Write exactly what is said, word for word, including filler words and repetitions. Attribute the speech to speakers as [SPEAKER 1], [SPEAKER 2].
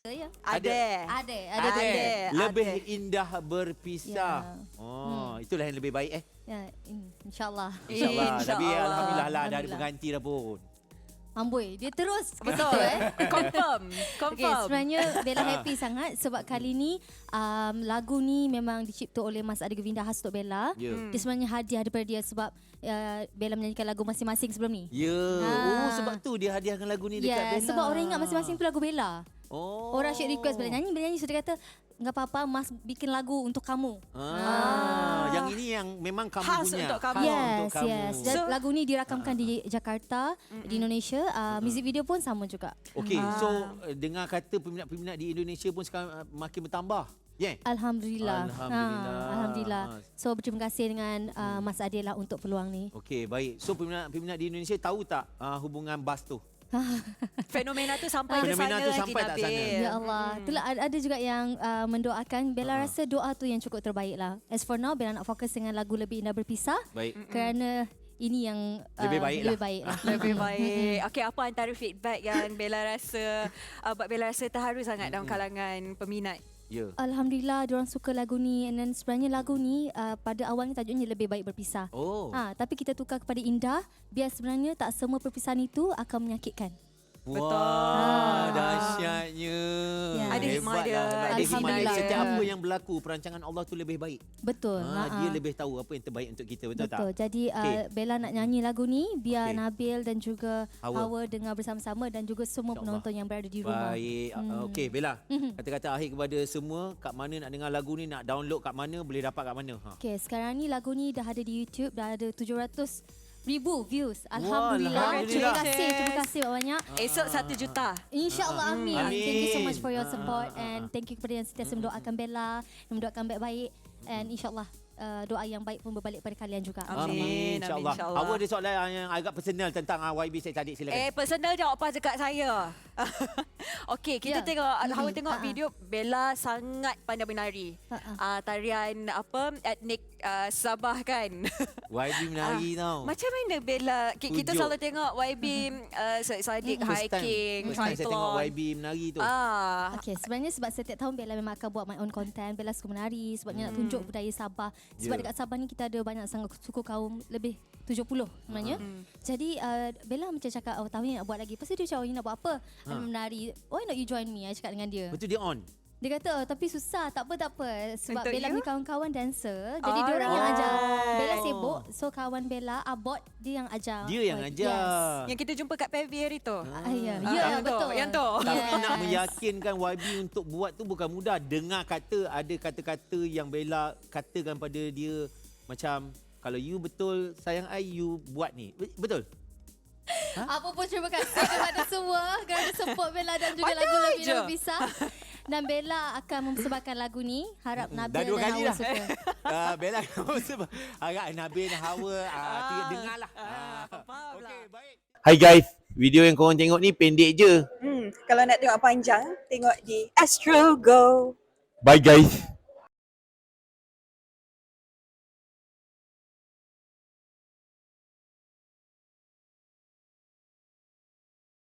[SPEAKER 1] Ya.
[SPEAKER 2] Ada.
[SPEAKER 1] Ada, ada.
[SPEAKER 2] Ada.
[SPEAKER 1] ada.
[SPEAKER 3] Lebih
[SPEAKER 2] ada.
[SPEAKER 3] indah berpisah.
[SPEAKER 1] Ya.
[SPEAKER 3] Oh,
[SPEAKER 1] Hmm.
[SPEAKER 3] itulah yang lebih baik eh.
[SPEAKER 1] Ya, in- insyaAllah.
[SPEAKER 3] InsyaAllah. Tapi
[SPEAKER 2] InsyaAllah.
[SPEAKER 3] alhamdulillah lah dah ada
[SPEAKER 1] Alhamdulillah.
[SPEAKER 3] pengganti dah pun.
[SPEAKER 1] Amboi, dia terus.
[SPEAKER 2] Betul.
[SPEAKER 1] eh.
[SPEAKER 2] Confirm.
[SPEAKER 1] Okay,
[SPEAKER 2] Confirm.
[SPEAKER 1] sebenarnya Bella happy sangat sebab kali ni um, lagu ni memang dicipta oleh Mas Adi Govinda khas untuk Bella.
[SPEAKER 3] Ya.
[SPEAKER 2] Hmm.
[SPEAKER 1] Dia sebenarnya hadiah daripada dia sebab uh, Bella menyanyikan lagu masing-masing sebelum ni.
[SPEAKER 3] Ya.
[SPEAKER 1] Ha.
[SPEAKER 3] Oh, sebab tu dia hadiahkan lagu ni dekat
[SPEAKER 1] Ya,
[SPEAKER 3] Bella.
[SPEAKER 1] sebab orang ingat masing-masing tu lagu Bella.
[SPEAKER 3] Oh.
[SPEAKER 1] Orang asyik request Bella nyanyi, Bella nyanyi. So dia kata, enggak apa-apa, Mas bikin lagu untuk kamu.
[SPEAKER 3] Ah, yang ini yang memang kamu
[SPEAKER 2] Khas
[SPEAKER 3] punya.
[SPEAKER 2] untuk kamu.
[SPEAKER 3] Khas
[SPEAKER 1] Yes,
[SPEAKER 3] untuk kamu.
[SPEAKER 1] yes. Dan
[SPEAKER 2] So-
[SPEAKER 1] lagu ni dirakamkan di Jakarta, di Indonesia. Uh, music video pun sama juga.
[SPEAKER 3] Okey,
[SPEAKER 2] Ah.
[SPEAKER 3] so uh, dengar kata peminat-peminat di Indonesia pun sekarang uh, makin bertambah. Ya. Yeah.
[SPEAKER 1] Alhamdulillah.
[SPEAKER 3] Alhamdulillah.
[SPEAKER 1] Ha, Alhamdulillah. So berterima kasih dengan uh, Mas Adil lah untuk peluang ni.
[SPEAKER 3] Okey, baik. So peminat-peminat di Indonesia tahu tak uh, hubungan bas tu?
[SPEAKER 2] Fenomena tu sampai ke
[SPEAKER 3] Fenomena
[SPEAKER 2] sana
[SPEAKER 3] tu
[SPEAKER 2] lagi,
[SPEAKER 3] sampai tak sana?
[SPEAKER 2] Nabil.
[SPEAKER 1] Ya Allah. Itulah ada ada juga yang uh, mendoakan. Bella
[SPEAKER 3] Ha.
[SPEAKER 1] rasa doa tu yang cukup terbaik lah. As for now, Bella nak fokus dengan lagu Lebih Indah Berpisah.
[SPEAKER 3] Baik.
[SPEAKER 1] Kerana ini yang uh,
[SPEAKER 3] Lebih baik
[SPEAKER 1] lebih
[SPEAKER 3] lah.
[SPEAKER 1] baik lah.
[SPEAKER 2] Lebih baik. Okey, apa antara feedback yang Bella rasa uh, buat Bella rasa terharu sangat dalam kalangan peminat?
[SPEAKER 3] Ya.
[SPEAKER 1] Alhamdulillah, diorang suka lagu ni. And then sebenarnya lagu ni uh, pada awalnya tajuknya Lebih Baik Berpisah.
[SPEAKER 3] Oh.
[SPEAKER 1] Ha, tapi kita tukar kepada indah. Biar sebenarnya tak semua perpisahan itu akan menyakitkan.
[SPEAKER 2] Betul.
[SPEAKER 3] Wah, dahsyatnya.
[SPEAKER 1] Ya.
[SPEAKER 2] Ada hikmah dia.
[SPEAKER 3] Hebatlah,
[SPEAKER 1] Alhamdulillah.
[SPEAKER 3] Ada hikmah dia. Setiap
[SPEAKER 1] Ya.
[SPEAKER 3] apa yang berlaku, perancangan Allah tu lebih baik.
[SPEAKER 1] Betul.
[SPEAKER 3] Ha,
[SPEAKER 1] Ha-ha.
[SPEAKER 3] dia lebih tahu apa yang terbaik untuk kita, betul,
[SPEAKER 1] Betul.
[SPEAKER 3] tak?
[SPEAKER 1] Jadi uh,
[SPEAKER 3] Okey.
[SPEAKER 1] Bella nak nyanyi lagu ni biar
[SPEAKER 3] Okey.
[SPEAKER 1] Nabil dan juga
[SPEAKER 3] Hawa.
[SPEAKER 1] Hawa dengar bersama-sama dan juga semua
[SPEAKER 3] InsyaAllah.
[SPEAKER 1] penonton yang berada di rumah.
[SPEAKER 3] Baik.
[SPEAKER 1] Hmm.
[SPEAKER 3] Hmm. Okey, Bella.
[SPEAKER 1] Mhm.
[SPEAKER 3] Kata-kata akhir kepada semua, kat mana nak dengar lagu ni, nak download kat mana, boleh dapat kat mana? Ha.
[SPEAKER 1] Okey, sekarang ni lagu ni dah ada di YouTube, dah ada tujuh ratus ribu views.
[SPEAKER 3] Wah,
[SPEAKER 1] Alhamdulillah. Terima
[SPEAKER 3] Alhamdulillah.
[SPEAKER 1] kasih, terima kasih banyak.
[SPEAKER 2] Esok satu juta.
[SPEAKER 1] InsyaAllah amin.
[SPEAKER 3] Amin.
[SPEAKER 1] Thank you so much for your
[SPEAKER 3] Ah,
[SPEAKER 1] support
[SPEAKER 3] ah, ah,
[SPEAKER 1] and
[SPEAKER 3] ah.
[SPEAKER 1] thank you kepada yang sentiasa mendoakan Bella, yang mendoakan baik-baik and insyaAllah uh, doa yang baik pun berbalik pada kalian juga.
[SPEAKER 2] Amin. Amin,
[SPEAKER 3] InsyaAllah.
[SPEAKER 2] insyaAllah.
[SPEAKER 3] Awak ada soalan yang agak personal tentang uh, Y B Syed Saddiq, silakan.
[SPEAKER 2] Eh, personal jawab apa dekat saya. Okey, kita
[SPEAKER 1] Ya.
[SPEAKER 2] tengok
[SPEAKER 1] Mm-mm.
[SPEAKER 2] Hawa tengok
[SPEAKER 1] Ha-ha.
[SPEAKER 2] video Bella sangat pandai menari.
[SPEAKER 1] Ha-ha.
[SPEAKER 2] Uh, tarian apa etnik uh, Sabah kan.
[SPEAKER 3] Y B menari tau.
[SPEAKER 2] Macam mana Bella ki- kita
[SPEAKER 3] Tujuk.
[SPEAKER 2] selalu tengok Y B uh, Syed Saddiq
[SPEAKER 3] First time,
[SPEAKER 2] hiking,
[SPEAKER 3] first time saya tengok
[SPEAKER 2] triathlon.
[SPEAKER 3] Y B menari tu.
[SPEAKER 2] Ah,
[SPEAKER 1] Okay, sebenarnya sebab setiap tahun Bella memang akan buat my own content. Bella suka menari sebabnya nak tunjuk budaya Sabah. Sebab
[SPEAKER 3] Ya.
[SPEAKER 1] dekat Sabah ni kita ada banyak sangat suku kaum lebih tujuh puluh sebenarnya. Jadi uh, Bella macam cakap, oh tahun ni nak buat lagi. Lepas tu dia cakap, oh you nak buat apa?
[SPEAKER 3] Ha.
[SPEAKER 1] Ha. Menari. Why not you join me? I cakap dengan dia.
[SPEAKER 3] Betul dia on.
[SPEAKER 1] Dia kata, oh, tapi susah. Tak apa, tak apa. Sebab
[SPEAKER 2] Untuk
[SPEAKER 1] Bella
[SPEAKER 2] you?
[SPEAKER 1] punya kawan-kawan dancer. Jadi dia orang yang
[SPEAKER 2] Alright.
[SPEAKER 1] ajar. Bella sibuk. So kawan Bella, Abot, dia yang ajar.
[SPEAKER 3] Dia yang
[SPEAKER 1] Oh,
[SPEAKER 3] ajar.
[SPEAKER 1] Yes.
[SPEAKER 2] yang kita jumpa kat P V hari tu.
[SPEAKER 1] Ah, ya,
[SPEAKER 2] Ah,
[SPEAKER 1] ya,
[SPEAKER 2] yang tu,
[SPEAKER 1] betul.
[SPEAKER 2] yang tu.
[SPEAKER 3] Tapi
[SPEAKER 1] Yes.
[SPEAKER 3] nak meyakinkan Y B untuk buat tu bukan mudah. Dengar kata ada kata-kata yang Bella katakan pada dia macam kalau you betul sayang I, you buat ni. Be- Betul?
[SPEAKER 1] Apa pun terima kasih kepada semua kerana support Bella dan juga
[SPEAKER 2] Ada
[SPEAKER 1] lagu Lebih
[SPEAKER 2] je.
[SPEAKER 1] Indah Berpisah. Dan Bella akan mempersembahkan lagu ni. Harap Nabil
[SPEAKER 3] Dah dua
[SPEAKER 1] dan
[SPEAKER 3] kali
[SPEAKER 1] Hawa
[SPEAKER 3] dah.
[SPEAKER 1] suka.
[SPEAKER 3] uh, Bella sebab harap Nabil dan Hawa uh, dengarlah.
[SPEAKER 2] Ah,
[SPEAKER 3] Ah.
[SPEAKER 2] faham lah.
[SPEAKER 3] Okey, baik. Hai guys, video yang korang tengok ni pendek je.
[SPEAKER 4] Hmm, kalau nak tengok panjang, tengok di Astro Go.
[SPEAKER 3] Bye guys.